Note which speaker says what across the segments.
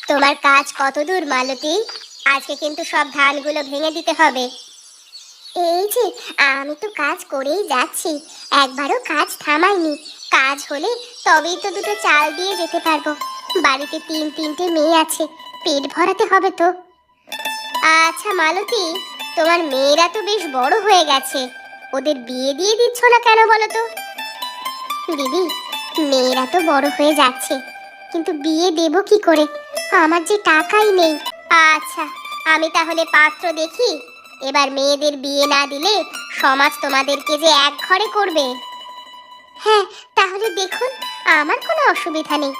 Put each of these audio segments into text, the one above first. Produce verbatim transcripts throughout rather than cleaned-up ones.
Speaker 1: তোমার কাজ কত দূর মালতী? আজকে কিন্তু সব ধানগুলো ভেঙে দিতে হবে। এই যে আমি তো কাজ করেই যাচ্ছি, একবারও কাজ থামাইনি। কাজ হলে তবেই তো দুটো চাল দিয়ে যেতে পারবো। বাড়িতে তিন তিনটে মেয়ে আছে, পেট ভরাতে হবে তো। আচ্ছা মালতী, তোমার মেয়েরা তো বেশ বড় হয়ে গেছে, ওদের বিয়ে দিয়ে দিচ্ছ না কেন বলো তো? দিদি, মেয়েরা তো বড় হয়ে যাচ্ছে, কিন্তু বিয়ে দেব কি করে? আমার যে টাকাই নেই। আচ্ছা, আমি তাহলে পাত্র দেখি। এবার মেয়েদের বিয়ে না দিলে সমাজ তোমাদেরকে যে এক ঘরে করবে। হ্যাঁ, তাহলে দেখুন, আমার কোনো অসুবিধা নেই।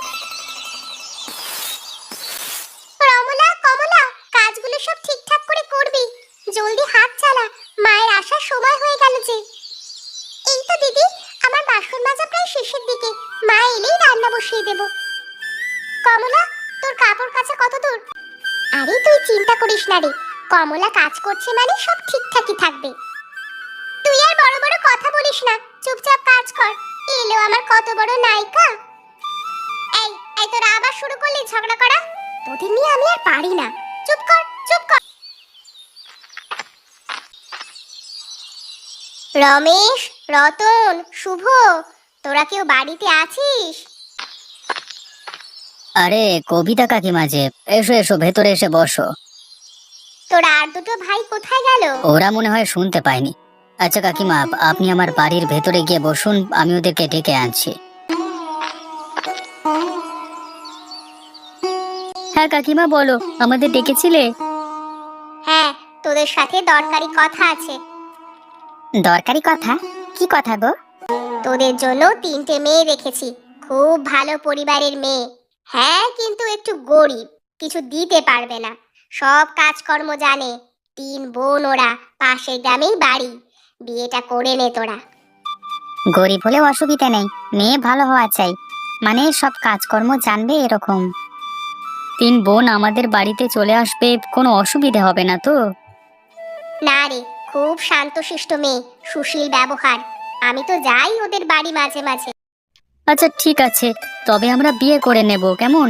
Speaker 1: রমলা, কমলা, কাজগুলো সব ঠিকঠাক করে করবি। জলদি হাত চালা, মায়ের আসার সময় হয়ে গেল যে। এই তো দিদি, আমার বাসন মাজা প্রায় শেষের দিকে, মা এলেই রান্না বসিয়ে দেব। কমলা, তোর কাপড় কাচা কত দূর? আরে তুই চিন্তা করিস না রে, কমলা কাজ করছে মানে সব ঠিকঠাকই থাকবে। তুই আর বড় বড় কথা বলিস না, চুপচাপ কাজ কর। এলো আমার কত বড় নায়িকা। এই এই তোরা আবার শুরু করলি ঝগড়া করা? তোদের নিয়ে আমি আর পারি না। চুপ কর, চুপ কর। রমেশ, রতন, শুভ, তোরা কেউ বাড়িতে আছিস?
Speaker 2: আরে কবিতা কাকিমা যে, এসো এসো, ভেতরে এসে বসো।
Speaker 1: তোর আর দুটো ভাই কোথায় গেল?
Speaker 2: ওরা মনে হয় শুনতে পায়নি। আচ্ছা কাকিমা, আপনি আমার বাড়ির ভেতরে গিয়ে বসুন, আমি ওদেরকে ডেকে আনছি। হ্যাঁ কাকিমা বলো, আমাদের ডেকেছিলে?
Speaker 1: হ্যাঁ, তোদের সাথে দরকারি কথা আছে।
Speaker 2: দরকারি কথা? কি কথা গো?
Speaker 1: তোদের জন্য তিনটে মেয়ে রেখেছি, খুব ভালো পরিবারের মেয়ে। হ্যাঁ, কিন্তু একটু গরিব, কিছু দিতে পারবে না। সব কাজকর্ম জানে। তিন বোন ওরা, পাশের গ্রামেই বাড়ি। বিয়েটা করে নে তোরা।
Speaker 2: গরিব হলেও অসুবিধা নেই, মেয়ে ভালো হওয়া চাই, মানে সব কাজকর্ম জানবে এরকম। তিন বোন আমাদের বাড়িতে চলে আসবে, কোনো অসুবিধা হবে না তো?
Speaker 1: না রে, খুব শান্তশিষ্ট মেয়ে, সুশীল ব্যবহার। আমি তো যাই ওদের বাড়ি মাঝে মাঝে।
Speaker 2: আচ্ছা ঠিক আছে, তবে আমরা বিয়ে করে নেব, কেমন?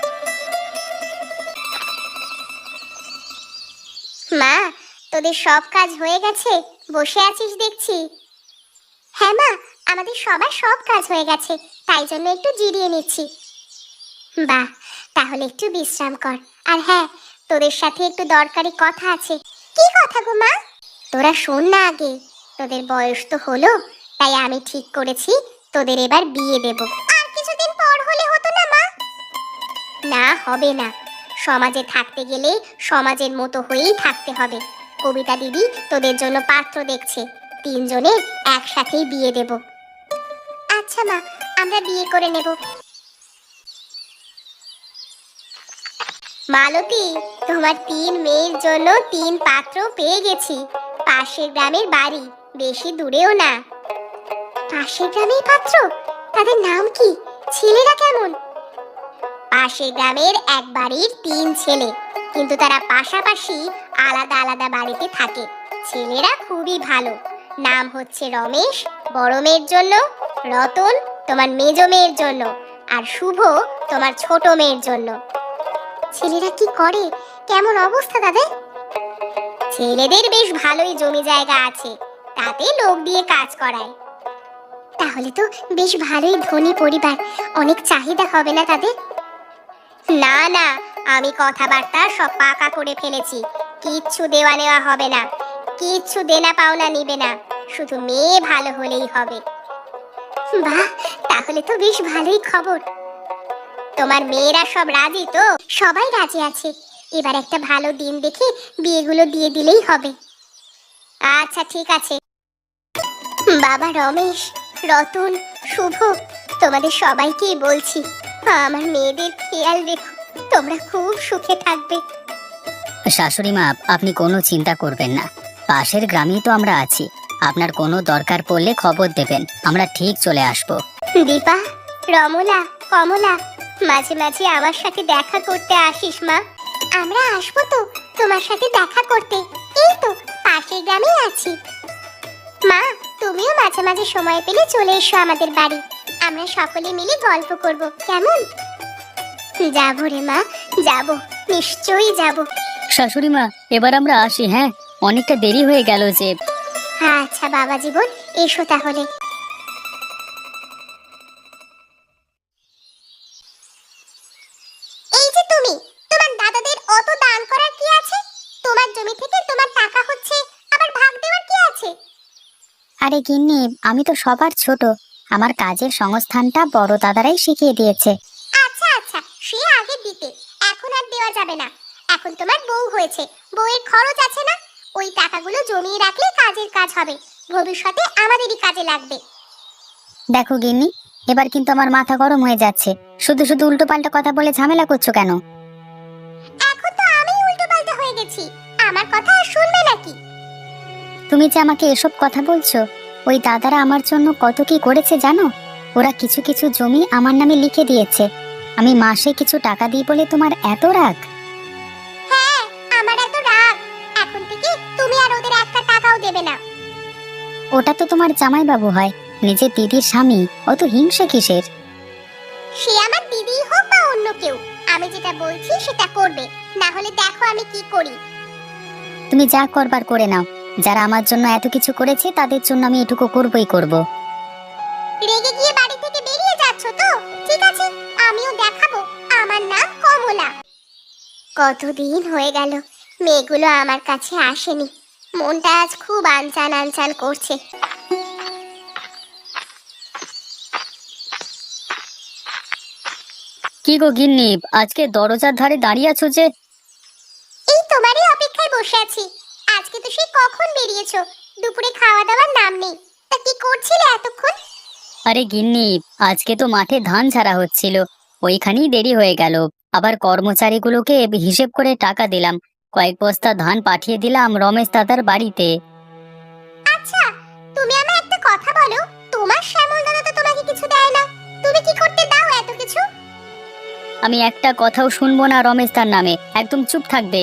Speaker 1: মা, তোদের সব কাজ হয়ে গেছে? বসে আছিস দেখছি। হ্যাঁ মা, আমাদের সবার সব কাজ হয়ে গেছে, তাই জন্য একটু জিরিয়ে নিচ্ছি। বাহ, তাহলে একটু বিশ্রাম কর। আর হ্যাঁ, তোদের সাথে একটু দরকারি কথা আছে। কি কথা গো মা? তোরা শোন না আগে। তোদের বয়স তো হলো, তাই আমি ঠিক করেছি তোদের এবার বিয়ে দেব। আর কিছুদিন পর হলে হতো না মা? না, হবে না। সমাজে থাকতে গেলে সমাজের মতো হয়েই থাকতে হবে। কবিতা দিদি তোদের জন্য পাত্র দেখছে, তিনজনের একসাথেই বিয়ে দেব। আচ্ছা মা, আমরা বিয়ে করে নেব। মালতী, তোমার তিন মেয়ের জন্য তিন পাত্র পেয়ে গেছি। পাশের গ্রামের বাড়ি, বেশি দূরেও না। পাশের গ্রামের পাত্র? তাদের নাম কি? ছেলেরা কেমন? পাশের গ্রামের এক বাড়ির তিন ছেলে, কিন্তু তারা পাশাপাশি আলাদা আলাদা বাড়িতে থাকে। ছেলেরা খুবই ভালো। নাম হচ্ছে রমেশ বড় মেয়ের জন্য, রতন তোমার মেজ মেয়ের জন্য, আর শুভ তোমার ছোট মেয়ের জন্য। ছেলেরা কি করে? কেমন অবস্থা তাদের? ছেলেদের বেশ ভালোই জমি জায়গা আছে, তাতে লোক দিয়ে কাজ করায়। তাহলে তো বেশ ভালোই ধনী পরিবার, অনেক চাহিদা হবে না তাদের? না না, আমি কথাবার্তা সব পাকা করে ফেলেছি। কিচ্ছু দেওয়া নেওয়া হবে না, কিচ্ছু দেনা পাওনা নিবে না, শুধু মেয়ে ভালো হলেই হবে। বাহ, তাহলে তো বেশ ভালোই খবর। তোমার মেয়েরা সব রাজি তো? সবাই রাজি আছে। এবার একটা ভালো দিন দেখে বিয়েগুলো দিয়ে দিলেই হবে। আচ্ছা ঠিক আছে। বাবা রমেশ, রতন, শুভ, তোমাদের সবাইকেই বলছি, আমার মেয়েদের খেয়াল রেখো, তোমরা খুব সুখে থাকবে।
Speaker 2: শাশুড়ি মা, আপনি কোনো চিন্তা করবেন না, পাশের গ্রামেই তো আমরা আছি। আপনার কোনো দরকার পড়লে খবর দেবেন, আমরা ঠিক চলে আসব।
Speaker 1: দীপা, রমলা, কমলা, মাঝে মাঝে আমার সাথে দেখা করতে আসিস মা। আমরা আসবো তো তোমার সাথে দেখা করতে, এই তো পাশের গ্রামেই আছি। মা, তুমিও মাঝে মাঝে সময় পেলে চলে এসো আমাদের বাড়ি, আমরা সকলে মিলে গল্প করব, কেমন? যাবো রে মা, যাবো, নিশ্চয়ই যাবো।
Speaker 2: শাশুড়ি মা, এবার আমরা আসি। হ্যাঁ, অনেকটা দেরি হয়ে গেল যে।
Speaker 1: আচ্ছা বাবা জীবন, এসো তাহলে। এই যে তুমি, তোমার দাদাদের অত দান করার কি আছে? তোমার জমি থেকে তোমার টাকা হচ্ছে, আবার ভাগ দেওয়ার কি আছে?
Speaker 2: আরে গিন্নি, আমি তো সবার ছোট। আমার কাজের সংস্থানটা বড় দাদারাই শিখিয়ে দিয়েছে।
Speaker 1: আচ্ছা আচ্ছা, সে আগে দিতে, এখন আর দেওয়া যাবে না। এখন তোমার বউ হয়েছে, বউয়ের খরচ আছে না? ওই টাকাগুলো জমিয়ে রাখলে কাজের কাজ হবে, ভবিষ্যতে আমাদেরই কাজে লাগবে।
Speaker 2: দেখো গিন্নি, এবার কিন্তু আমার মাথা গরম হয়ে যাচ্ছে। শুধু শুধু উল্টো পাল্টা কথা বলে ঝামেলা করছো কেন?
Speaker 1: এখন তো আমি উল্টো পাল্টা হয়ে গেছি, আমার কথা আর শুনবে নাকি?
Speaker 2: তুমি যে আমাকে এসব কথা বলছো, ওই দাদারা আমার জন্য কত কি করেছে জানো? ওরা কিছু কিছু জমি আমার নামে লিখে দিয়েছে। আমি মাসে কিছু টাকা দিই বলে তোমার এত রাগ?
Speaker 1: হ্যাঁ, আমার এত রাগ। এখন থেকে তুমি আর ওদের একটা টাকাও দেবে না।
Speaker 2: ওটা তো তোমার জামাইবাবু হয়, নিজের দিদির স্বামী। অত হিংসে কিসের?
Speaker 1: সে আমার দিদিই হোক বা অন্য কেউ, আমি যেটা বলছি সেটা করবে, না হলে দেখো আমি কি করি।
Speaker 2: তুমি যা করবার করে নাও। যারা আমার জন্য এত কিছু করেছে তাদের জন্য আমি এটুকু করবই করব।
Speaker 1: রেগে গিয়ে বাড়ি থেকে বেরিয়ে যাচ্ছ তো? ঠিক আছে, আমিও দেখাবো আমার নাম কমলা। কতদিন হয়ে গেল মেয়েগুলো আমার কাছে আসেনি, মনটা আজ খুব আনচান আনচান করছে।
Speaker 2: কি গো গিন্নি, আজকে দরজার ধারে দাঁড়িয়ে আছো যে?
Speaker 1: এই তোমারই অপেক্ষায় বসে আছি। আজকে তো সেই কখন বেরিয়েছো, দুপুরে খাওয়া দাওয়ার নাম নেই। তা কি করছিলে এতক্ষণ?
Speaker 2: আরে গিন্নি, আজকে তো মাঠে ধান ছাড়া হচ্ছিল, ওইখানেই দেরি হয়ে গেল। আবার কর্মচারীগুলোকে হিসেব করে টাকা দিলাম। কয়েক বস্তা ধান পাঠিয়ে দিলাম রমেশ দাদার বাড়িতে।
Speaker 1: আচ্ছা, তুমি আমায় একটা কথা বলো, তোমার শ্যামল দাদা তো তোমাকে কিছু দেয় না, তুমি কি করতে দাও এত কিছু?
Speaker 2: আমি একটা কথাও শুনবো না রমেশ তার নামে, একদম চুপ থাকবে।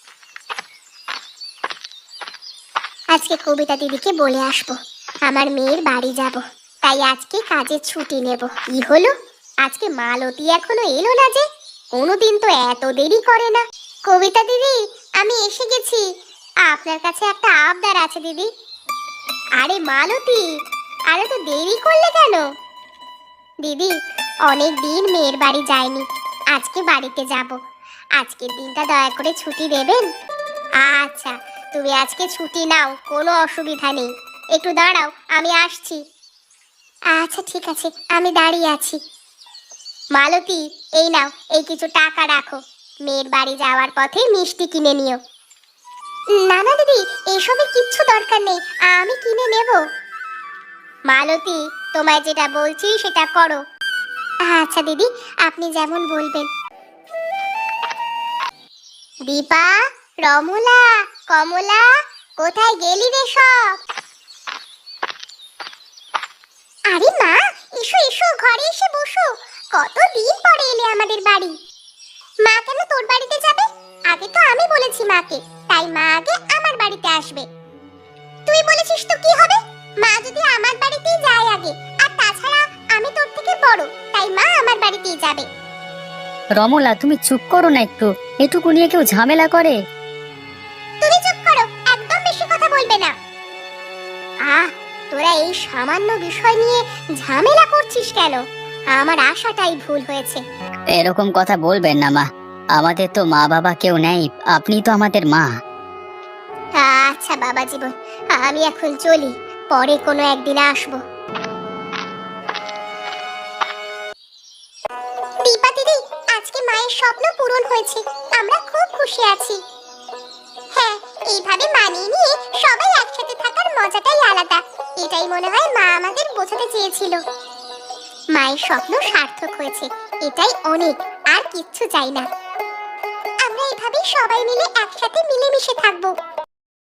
Speaker 1: আজকে কবিতা দিদিকে বলে আসবো আমার মেয়ের বাড়ি যাব, তাই আজকে কাজের ছুটি নেব। কি হলো, আজকে মালতী এখনো এলো না যে? কোনোদিন তো এত দেরি করে না। কবিতা দিদি, আমি এসে গেছি, আপনার কাছে একটা আবদার আছে দিদি। আরে মালতী, আরে তো দেরি করলে কেন? দিদি, অনেক দিন মেয়ের বাড়ি যায়নি, আজকে বাড়িতে যাব। আজকের দিনটা দয়া করে ছুটি দেবেন? আচ্ছা, তুমি আজকে ছুটি নাও, কোনো অসুবিধা নেই। একটু দাঁড়াও, আমি আসছি। আচ্ছা ঠিক আছে, আমি দাঁড়িয়ে আছি। মালতী, এই নাও, এই কিছু টাকা রাখো, মেয়ের বাড়ি যাওয়ার পথে মিষ্টি কিনে নিও। না না দিদি, এসবের কিচ্ছু দরকার নেই, আমি কিনে নেব। মালতী, তোমায় যেটা বলছি সেটা করো। আচ্ছা দিদি, আপনি যেমন বলবেন। দীপা, রমলা, কমলা, কোথায় গেলি রে সব? আরে মা, এসো এসো, ঘরে এসে বসো। কতদিন পরে এলে আমাদের বাড়ি। মা কেন তোর বাড়িতে যাবে? আগে তো আমি বলেছি মাকে, তাই মা আগে আমার বাড়িতে আসবে। তুই বলেছিস তো কি হবে? মা যদি আমার বাড়িতেই যায় আগে, আর তাছাড়া আমি তোর থেকে বড়, তাই মা আমার বাড়িতেই যাবে।
Speaker 2: রমলা, তুমি চুপ করো না একটু, এটুকু নিয়ে কেউ ঝামেলা করে?
Speaker 1: তুমি চুপ করো, একদম বেশি কথা বলবে না। আহ, তোরা এই সামান্য বিষয় নিয়ে ঝামেলা করছিস কেন? আমার আশাটাই ভুল হয়েছে।
Speaker 2: এরকম কথা বলবেন না মা, আমাদের তো মা বাবা কেউ নেই, আপনি তো আমাদের মা।
Speaker 1: আচ্ছা বাবা জীবন, আমি এখন চলি, পরে কোনো একদিন আসবো। দীপা দিদি, আজকে মায়ের স্বপ্ন পূরণ হয়েছে, আমরা খুব খুশি আছি। হ্যাঁ, এইভাবে মানিয়ে নিয়ে সবাই একসাথে থাকার মজাটাই আলাদা, এটাই মনে হয় মা আমাদের বোঝাতে চেয়েছিল। মায়ের স্বপ্ন সার্থক হয়েছে, এটাই অনেক, আর কিচ্ছু চাই না। আমরা এভাবে সবাই মিলে একসাথে মিলেমিশে থাকবো।